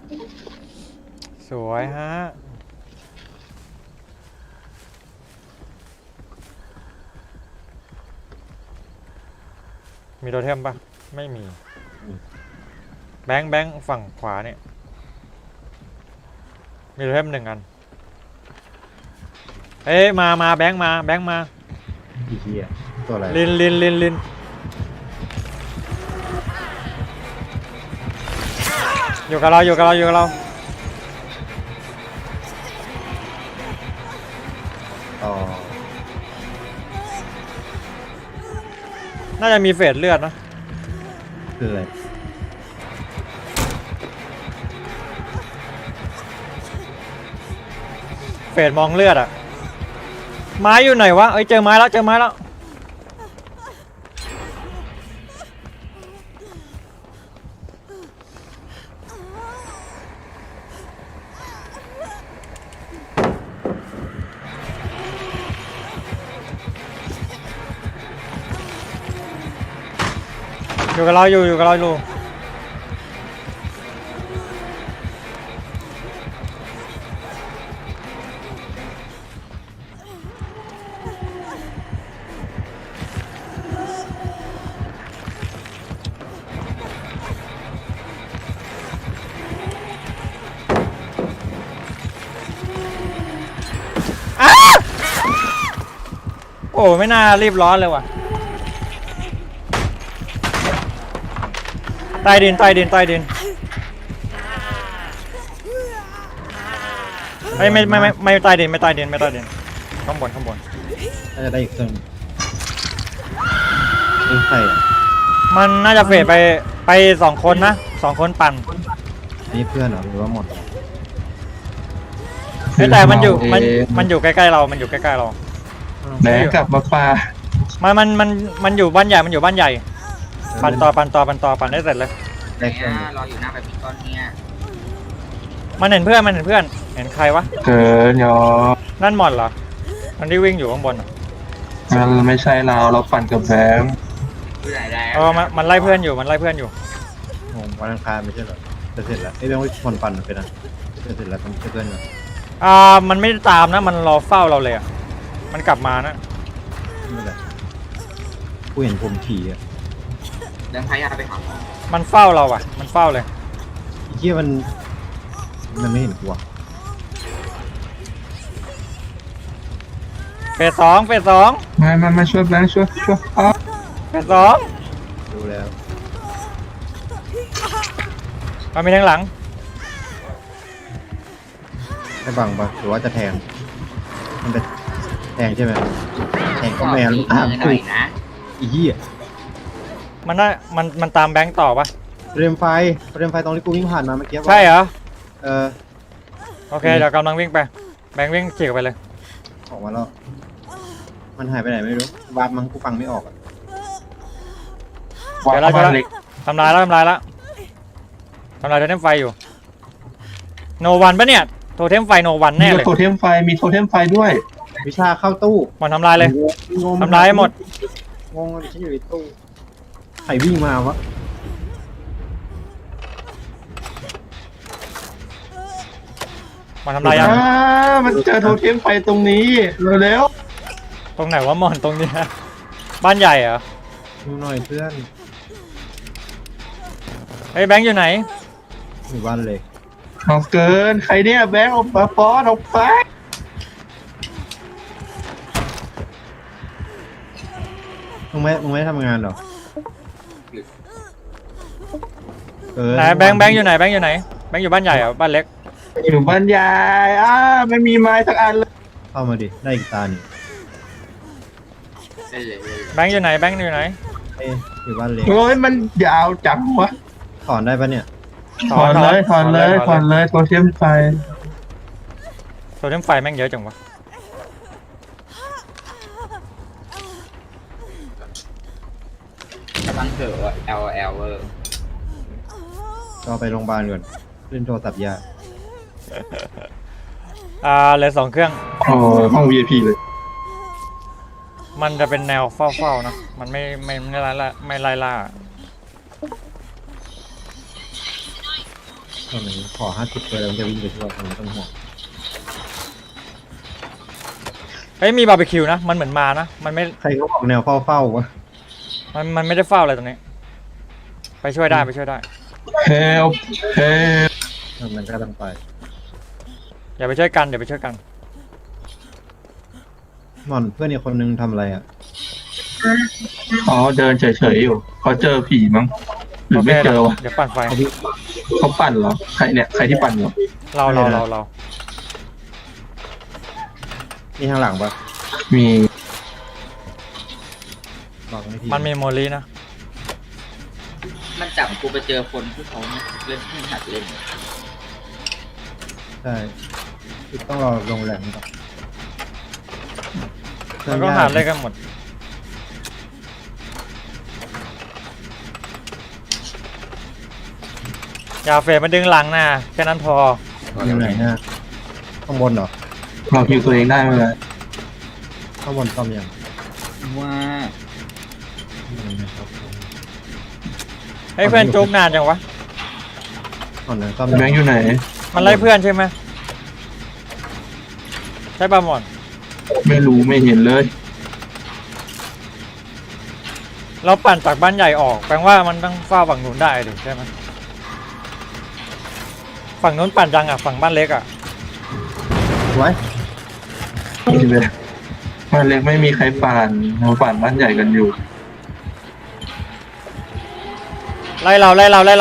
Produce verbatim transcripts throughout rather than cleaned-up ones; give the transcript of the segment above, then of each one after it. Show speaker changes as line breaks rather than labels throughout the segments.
สวยฮะมีโทเทมปะไม่มีแบงค์แบงค์ฝั่งขวาเนี่ยมีโทเทมหนึ่งอันเอ้ยมามาแบงค์มาแบงค์มา
อีเหี้ยตัวอะไร
ลินลินลินลินอยู่กับเราอยู่กับเราอยู่กับเรา
อ๋อ
น่าจะมีเฟสเลือดนะ
คืออะไร
เฟสมองเลือดอะไม้อยู่ไหนวะเอ้ยเจอไม้แล้วเจอไม้แล้วอยู่กับเราอยู่อยู่กับเราอยู่โอ้ไม่น่ารีบร้อนเลยว่ะใต้ดินใต้ดินใต้ดินไม่ไม่ไม่ไม่ไม่ใต้ดินไม่ใต้ดินไม่ใต้ดินข้างบนข้างบน
น่าจะได้อีกเครื่องนี่ใครอ่ะ
มันน่าจะเฟดไปไปสองคนนะสองคนปั่น
นี่เพื่อนเหรอหรือว่าหมด
แต่มันอยู่มันมันอยู่ใกล้ๆเรามันอยู่ใกล้ๆเรา
แหนกลับมาปลา
มันมันมันมันอยู่บ้านใหญ่มันอยู่บ้านใหญ่ปั่นต่อปั่นต่อปั่นต่อปั่นได้เสร็จเลย
เนี่ยรออยู่หน้าแบบนี้ก้อนเนี่ย
มันเห็นเพื่อนมันเห็นเพื่อนเห็นใครวะ
เกินยอ
นั่นหมดเหรอมันที่วิ่งอยู่ข้างบน
มันไม่ใช่เราเราปั่นกับแบงค์
เออมันมันไล่เพื่อนอยู่มันไล่เพื่อนอยู่
งงวันอังคารไม่ใช่เหรอจะเสร็จแล้วไอ้เรื่องว่าคนปั่นไปนะจะเสร็จแล้วต้องเพื่อนเหรอ
อ่ามันไม่ตามนะมันรอเฝ้าเราเลยอ่ะมันกลับมานะ
ไม่ได้กูเห็นผมขี่อ่ะ
เดินพายาไปหาหมอ
มันเฝ้าเราอ่ะมันเฝ้าเลย
ไอ้เหี้ยมันมันไม่เห็นกูอ่ะ
เฟสสองเฟสสอง
มามามาช่วยแบงค์ช่วยช่วยอ๋อ
เฟสสอง
ดูแล้ว
มันมีทางหลัง
จะบังปะหรือว่าจะแทงมันจะแทงใช่ไหมแทงก็แมนอ่ะกูอีเหี้ย
มันน่ามันมันตามแบงค์ต่อปะ
เรมไฟเรมไฟตรงที่กูวิ่งผ่านมาเมื่อกี้
ใช่เหรอ
เออ
โอเคเดี๋ยวกำลังวิ่งไปแบงค์วิ่งขี่ไปเลย
ออกมาแล้วมันหายไปไหนไม่รู้วาร์ปมั้งกูฟังไม่ออกอ่ะ
เดี๋ยวเราจะทำลายแล้วทำลายแล้วทำลายโทเทมไฟอยู่โนวันปะเนี่ยโทเทมไฟโนวันแน่เลย
โทเทมไฟมีโทเทมไฟด้วย
วิชาเข้าตู้
มันทำลายเลยทำลายหมด
งงเลยที่อยู่ในตู้ใครวิ่งมาวะ
มันทำลายยัง
มันเจอโทเทมไฟตรงนี้เร็ว
ตรงไหนวะมอนตรงนี้บ้านใหญ่เหรอ
ดูหน่อยเพื่อน
เฮ้ยแบงค์อยู่ไหน
อยู่บ้านเลย
ออกเกินใครเนี่ยแบงค์ออกมาฟอสออกไป
มึงไม่มึงไม่ทำงานหรอ
ไหนแบงค์แบงค์อยู่ไหนแบงค์อยู่ไหนแบงค์อยู่บ้านใหญ่เหรอบ้านเล็ก
อยู่บ้านใหญ่อ้าไม่มีไม้สักอันเลย
เข้ามาดิได้อีกตาหนึ่ง
แบงค์อยู่ไหนแบงค์อยู่ไหน
เอ้ยอยู่บ้านเล็ก
โอ้ยมันยาวจังวะ
ถอนได้ปะเนี่ย
ถอนเลยถอนเลยถอนเลยโทเทมไฟ
โทเทมไฟแม่งเยอะจังวะ
กำลังเถอะ L L เวอร์
ก็ไปโรงพยาบาลก่อนเล่นโทรศัพท์ยา
อ่าเหลือสองเครื่อง
อ๋อห้อง วี ไอ พี เลย
มันจะเป็นแนวเฝ้าๆนะมันไม่ไม่ไม่ไล่ล่าไม่ไล่ล่า
ตอนนี้ขอห้าสิบเลยแล้วจะวิ่งไปช่วยคนไม่ต้องห่วง
เฮ้ยมีบาร์บีคิวนะมันเหมือนมานะมันไม่
ใครเขาบอกแนวเฝ้าเฝ้าวะ
มันมันไม่ได้เฝ้าอะไรตรงนี้ ไปช่วยได้ไปช่วยได้
เฮลเฮล
มันก็ต้องไป
อย่าไปช่วยกันอย่าไปช่วยกัน
หมอนเพื่อนอีกคนนึงทำอะไรอ่ะ
อ๋อเดินเฉยๆอยู่เขาเจอผีมั้งหรือไม่เจอวะ
เดี๋ยวปั่นไฟ
เขาปั่นเหรอใครเนี่ยใครที่ปั่นเหรอ
เราเราเราเรา
นี่ทางหลังปะ
มี
บอกไม่ที
มันมีโมลีนะ
มันจับกูไปเจอคนที่เขาเล่นที่หัดเล่น
ใช่คือต้องรอลงแหลมก่อน
มันก็หาเลยกันหมดอย่าเฟรมมาดึงหลังนะแค่นั้นพอ
อยู่ไหนฮะข้างบนเหรอ
เราคิวตัวเองได้ไหมล่ะ
ข้างบนซ่อมยัง
ว่า
ให้เพื่อนจุกนานจังวะ
ก่อนนะซ่อม
แบงค์อยู่ไหน
มันไล่เพื่อนใช่ไหมใช่ป่ะหมอน
ไม่รู้ไม่เห็นเลย
เราปั่นจากบ้านใหญ่ออกแปลว่ามันต้องเฝ้าฝั่งนู้นได้ดิใช่ไหมฝั่งนู้นปั่นจังอ่ะฝั่งบ้านเล็กอ่ะ
ไว้
นี่เลยบ้านเล็กไม่มีใครปั่นเราปั่นบ้านใหญ่กันอยู่
ไล่เราไล่เราไล่เรา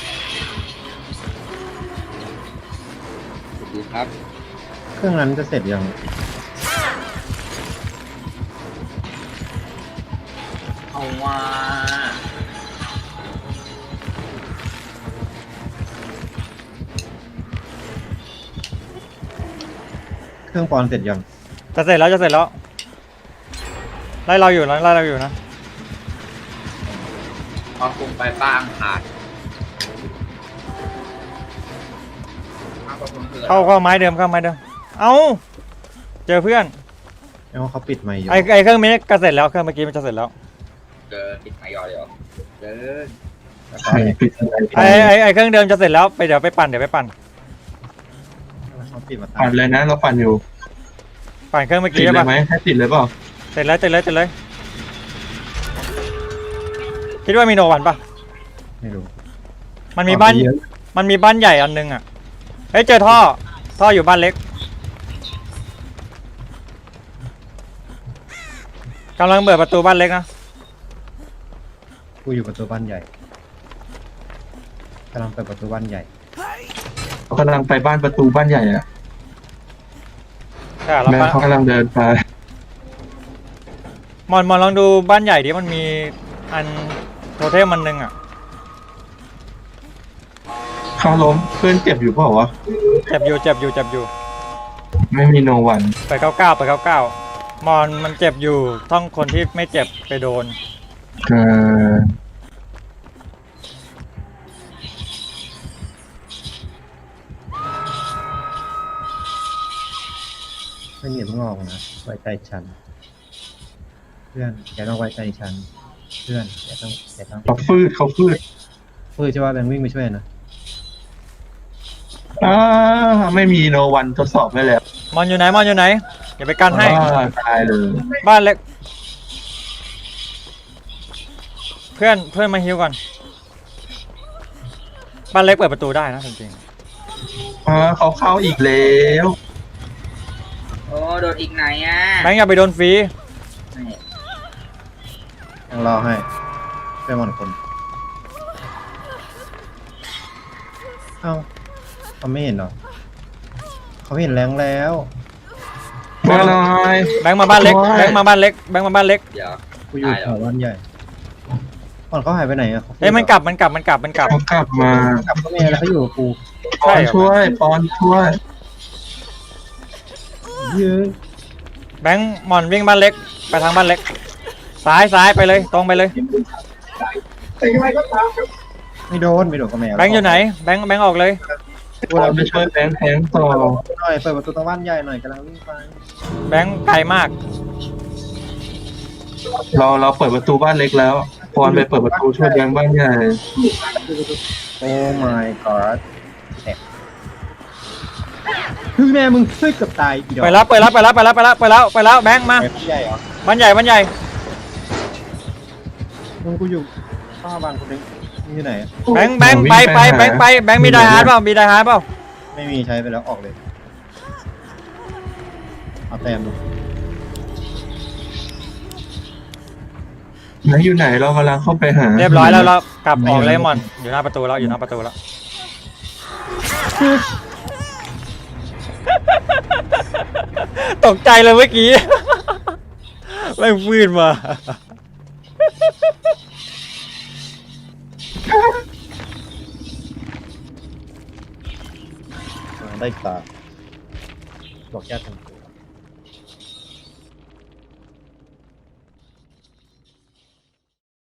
ดูครับ
เครื่องนั้นจะเสร็จยัง
เอาว่า
เครื่องปอนเสร็จยัง
จะเสร็จแล้วจะเสร็จแล้วไล่เราอยู่นะไล่เราอยู่นะ
พอคุมไปป้าอังคาร
เข้าเข้าไม้เดิมเข้าไม้เดิมเอ้าเจอเพื่อน
แล้วเขาปิดไมค์อยู่
ไอไอเครื่องนี้ก็เสร็จแล้วเครื่องเมื่อกี้มันจะเสร็จแล้ว
เกินปิดไมค์ยอเดียวเกิน
ใครปิดอะไร
ไอไอไอเครื่องเดิมจะเสร็จแล้วไปเดี๋ยวไปปั่นเดี๋ยวไปปั่น
เขาปิดมาตา
ปั่นเลยนะเราปั่นอยู่
ปั่นเครื่องเมื่อ
ติ
กี้
ด
ใช่
เลย
ปะ
ไหมให้ติดเลยเปล่า
เสร็จแล้วเสร็จแล้วเสร็จเลยคิดว่ามีโนวันปะ
ไม่รู้
มันมีบ้าน
เยอะ
มันมีบ้านใหญ่อันนึงอ่ะเฮ้ยเจอท่อท่ออยู่บ้านเล็กกำลังเปิดประตูบ้านเล็กนะ
กูอยู่ประตูบ้านใหญ่กำลังเปิดประตูบ้านใหญ่
เขากำลังไปบ้านประตูบ้านใหญ่อะ
ใช่แล้ว
แม่
ปะ
เขากำลังเดินไป
มอนมอนลองดูบ้านใหญ่ดิมันมีอันโทเทมมันนึงอ่ะ
เขาล้มเพื่อนเจ็บอยู่เปล่าวะ
เจ็บอยู่เจ็บอยู่เจ็บอยู่
ไม่มีโนวัน
ไปเก้าเก้าไปเก้าเก้ามอนมันเจ็บอยู่ต้องคนที่ไม่เจ็บไปโดน
เออ
ไม่มีเพิ่งออกนะไว้ใจฉัน เพื่อนแกต้องไว้ใจฉัน เพื่อนแกต้องแกต้อง
เขาฟืดเขาฟืด
เพื่อใช่ว่าแบงค์วิ่งไปช่วยนะ
อ่าไม่มีโนวันทดสอบได้แล้ว
มอนอยู่ไหนมอนอยู่ไหนอย่าไปกันให้
อ่าตายเลย
บ้านเล็ก เพื่อนเพื่อนมาฮิวก่อนบ้านเล็กเปิดประตูได้นะจริง
อ่าเขาเข้าอีกแล้ว
โอ้โดนอีกไหนอ่ะ
ๆแบงค์อย่าไปโดนฟรี
ยังรอให้เพื่อนมันคน เอ้าเขาไม่เห็นเหรอเขาเห็นแรงแล้ว
มาหน่อย
แบงค์มาบ้านเล็กแบงค์มาบ้านเล็กแบงค์มาบ้านเล็ก
เดี๋ยว
กูอยู่แถวบ้านใหญ่ก่อนเขาหายไปไหนอะขา
เอ้ยมันกลับมันกลับมันกลับมันกลับ
เขากลับมาก
ลับก็ไม่แล้วเขาอยู่กับกู
ปอนช่วยปอนช่วย
ยืน
แบงค์มอนวิ่งบ้านเล็กไปทางบ้านเล็กซ้ายซ้ายไปเลยตรงไปเลย
ไม่โดนไม่โดนก็แม่
แบงค์อยู่ไหนแบงค์แบงค์ออกเลย
ปอนไปช่วยแบงค์แทงต่อ
หน่อยเปิดประตูตรงบ้านใหญ่หน่อยกำลังวิ่งไป
แบงค์ไกลมาก
เราเราเปิดประตูบ้านเล็กแล้วปอนไปเปิดประตูช่วยแบงค์บ้านใหญ่
โอ้ my god แตกคือแม่มึงเฮ้ยเกือบตายอีดอก
ไปแล้วไปแล้วไปแล้วไปแล้วไปแล้วไปแล้วไปแล้วแบงค์มา
ไปใหญ่เหรอ
บ้านใหญ่บ้านใหญ่
มึงกูอยู่ข้าวบางคนนึงนี่ที่ไหนอะ
แบงค์แบงค์ไปไปแบงค์ไปแบงค์มีไดฮาร์ดเปล่ามีไดฮาร์ดเปล่า
ไม่มีใช้ไปแล้วออกเลยเอาแต้มดู
ไหนอยู่ไหนเรากำลังเข้าไปหา
เรียบร้อยแล้วเรากลับออกเลยมอนอยู่หน้าประตูแล้วอยู่หน้าประตูแล้ว ตกใจเลยเมื่อกี้ ไม่ฟื้นมา
ได้อีกตาบอกแค่ทาง